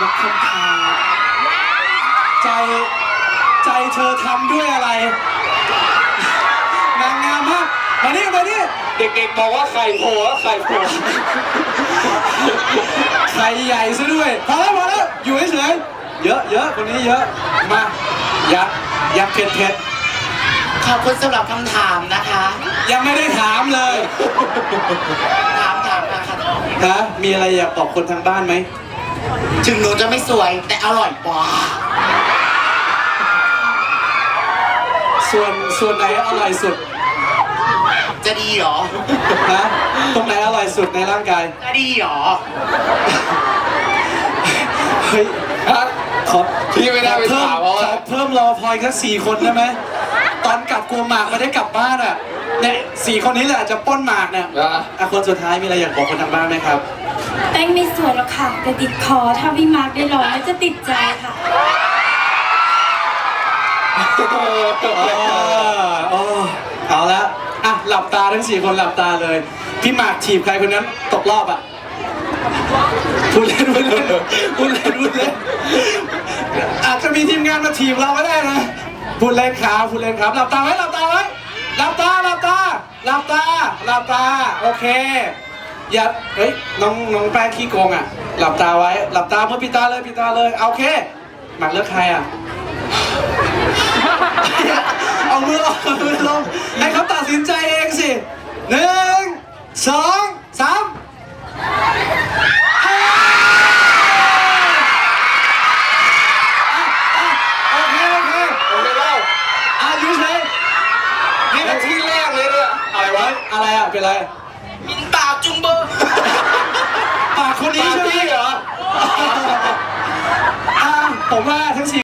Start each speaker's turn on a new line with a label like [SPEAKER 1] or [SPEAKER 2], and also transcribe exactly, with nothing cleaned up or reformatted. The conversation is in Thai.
[SPEAKER 1] กับคำถามใจใจเธอทำด้วยอะไรนางงามมากมานี่มานี่
[SPEAKER 2] เด็กๆบอกว่าไข่โผล่ไข่โผล่
[SPEAKER 1] ไข่ใหญ่ซะด้วยพอแล้วพอแล้วอยู่เฉยๆเยอะเยอะคนนี้เยอะมายักยักเผ็ดเผ็ด
[SPEAKER 3] ขอบคุณสำหรับคำถามนะคะ
[SPEAKER 1] ยังไม่ได้ถามเลย
[SPEAKER 3] ถามถามมาค่ะ
[SPEAKER 1] ฮะมีอะไรอยากบอกคนทางบ้านไหม
[SPEAKER 3] ถึงหนูจะไม่สวยแต่อร่อยกว่า
[SPEAKER 1] ส่วนส่วนไหนอร่อยสุด
[SPEAKER 3] จะดีหรอ
[SPEAKER 1] ฮะตรงไหนอร่อยสุดในร่างกาย
[SPEAKER 3] จะดีหรอ
[SPEAKER 1] เฮ้ยฮะขอ
[SPEAKER 2] พี่ไม่ได้ไปถามเขา
[SPEAKER 1] เพิ่มรอพอยแค่สี่คนได้ไหมตอนกลับกลัวหมากไม่ได้กลับบ้านอ่ะเนี่ยสี่คนนี้แหละจะป้นหมากเนี่ยอ่ะคนสุดท้ายมีอะไรอยากบอกคนทางบ้านไหมครับ
[SPEAKER 4] แป้งไม่สวยหรอกค่ะแต่ติดคอถ้าพี่มาร์คได้ร้องแล้วจะติดใจค่ะ
[SPEAKER 1] เอาละอ่ะหลับตาทั้งสี่คนหลับตาเลยพี่หมากถีบใครคนนั้นตกรอบอ่ะพูดเล่นพูดเล่นพูดเล่นพูดเล่นอาจจะมีทีมงานมาถีบเราก็ได้นะพูดเล่นครับพูดเล่นครับหลับตาไว้หลับตาไว้หลับตาหลับตาหลับตาหลับตาโอเคอย่าเฮ้ยน้องน้องแป้งขี้โกงอ่ะหลับตาไว้หลับตาเพื่อปิดตาเลยปิดตาเลยโอเคหมากเลือกใครอ่ะเอามือลงเอามือลงให้เขาตัดสินใจเองสิหนึ่งสองสามโอเคโอเค
[SPEAKER 2] โอเคเล่า
[SPEAKER 1] อายุเฉย
[SPEAKER 2] นี่เป็นที่แรกเลยเนี่ยอะไรวะ
[SPEAKER 1] อะไรอ่ะเป็นไร
[SPEAKER 3] มินปากจุงเบอร์
[SPEAKER 1] ปากคนนี้ใช่ไหมเหรอผมว่าทั้งสี่